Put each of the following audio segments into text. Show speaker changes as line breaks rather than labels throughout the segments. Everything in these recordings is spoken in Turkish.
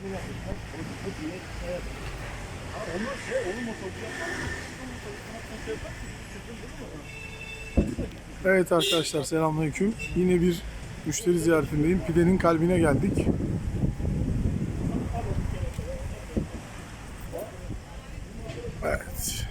Evet arkadaşlar, selamünaleyküm. Yine bir müşteri ziyaretindeyim. Pidenin kalbine geldik. Evet.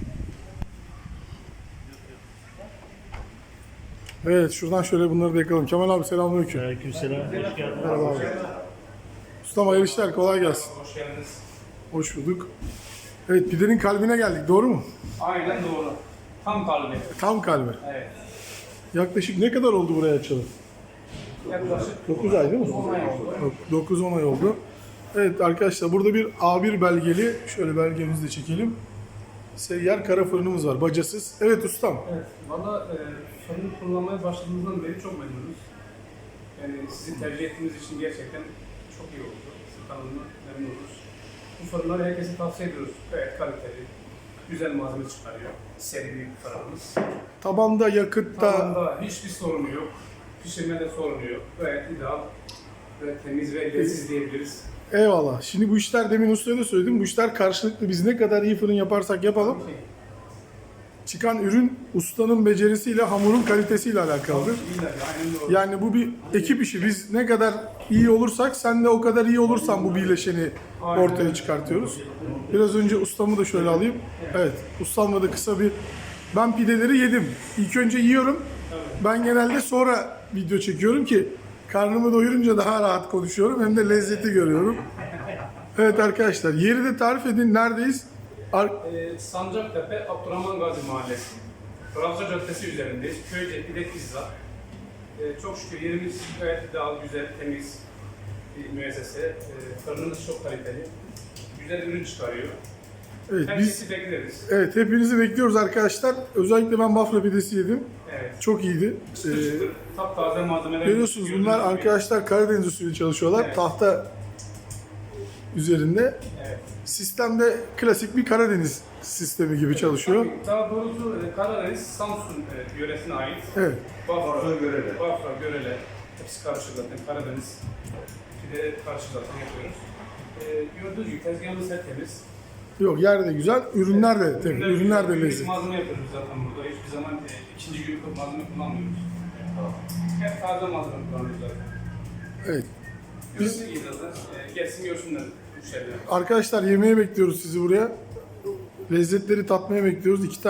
Evet, şuradan şöyle bunları da yakalım. Kemal abi selamünaleyküm.
Aleykümselam. Hoş geldin.
Merhaba abi. Ustam hayırlı işler, kolay gelsin.
Hoş geldiniz.
Hoş bulduk. Evet, pidenin kalbine geldik, doğru mu?
Aynen doğru. Tam kalbi.
Tam kalbi.
Evet.
Yaklaşık ne kadar oldu buraya açalım?
Yaklaşık
9 ay değil mi?
10 ay oldu.
9-10 ay oldu. Evet arkadaşlar, burada bir A1 belgeli, şöyle belgemizi de çekelim. Seyyar kara fırınımız var, bacasız. Evet ustam.
Evet. Valla fırını kullanmaya başladığımızdan beri çok memnunuz. Yani sizi tercih ettiğimiz için gerçekten çok iyi oldu. Sizin kanalına memnunuz. Bu fırınları herkese tavsiye ediyoruz. Gayet kaliteli. Güzel malzeme çıkarıyor. Seri bir fırınımız.
Tabanda, yakıtta,
Tavanda hiçbir sorunu yok. Pişirmede sorunu yok. Gayet ideal ve temiz ve leziz diyebiliriz.
eyvallah. Şimdi bu işler, demin ustaya da söyledim, bu işler karşılıklı. Biz ne kadar iyi fırın yaparsak yapalım, çıkan ürün ustanın becerisiyle, hamurun kalitesiyle alakalıdır.
İyiler, aynen doğru.
Yani bu bir ekip işi. Biz ne kadar iyi olursak, sen de o kadar iyi olursan bu birleşeni ortaya çıkartıyoruz. Biraz önce ustamı da şöyle alayım. Evet, ustamla da kısa bir... Ben pideleri yedim. İlk önce yiyorum. Ben genelde sonra video çekiyorum ki karnımı doyurunca daha rahat konuşuyorum. Hem de lezzeti görüyorum. Evet arkadaşlar, yeri de tarif edin. Neredeyiz?
Sancaktepe, Abdurrahman Gazi Mahallesi. Fransa Caddesi üzerindeyiz. Köyce Pide Pizza. Çok şükür yerimiz gayet ideal, güzel, temiz bir müessese. Fırınımız çok kaliteli. Güzel ürün çıkarıyor.
Evet,
Herkesi bekleriz.
evet, hepinizi bekliyoruz arkadaşlar. Özellikle ben Bafra pidesi yedim.
Evet.
Çok iyiydi.
Çıtır çıtır, taptaze malzemeler.
Görüyorsunuz bunlar
Gördüğünüz gibi.
arkadaşlar Karadeniz usulü çalışıyorlar.
Evet.
Tahta üzerinde.
Evet.
Sistemde klasik bir Karadeniz sistemi gibi çalışıyor.
Tabii, daha doğrusu Karadeniz, Samsun yöresine ait.
Evet.
Bafra, Görele. Hepsi karışık zaten. Karadeniz pide karışık zaten yapıyoruz. Gördüğünüz gibi tezgahımız hep temiz.
Yok, yer de güzel, ürünler de temiz, ürünler de
günlük
lezzetli.
malzeme yapıyoruz zaten burada. Hiçbir zaman ikinci günlük malzeme kullanmıyoruz. Hep taze malzeme kullanıyoruz zaten.
Evet.
Biz iyi zaten. Gelsin görsünler müşteriler.
Arkadaşlar, yemeğe bekliyoruz sizi buraya. Lezzetleri tatmaya bekliyoruz. 2 tane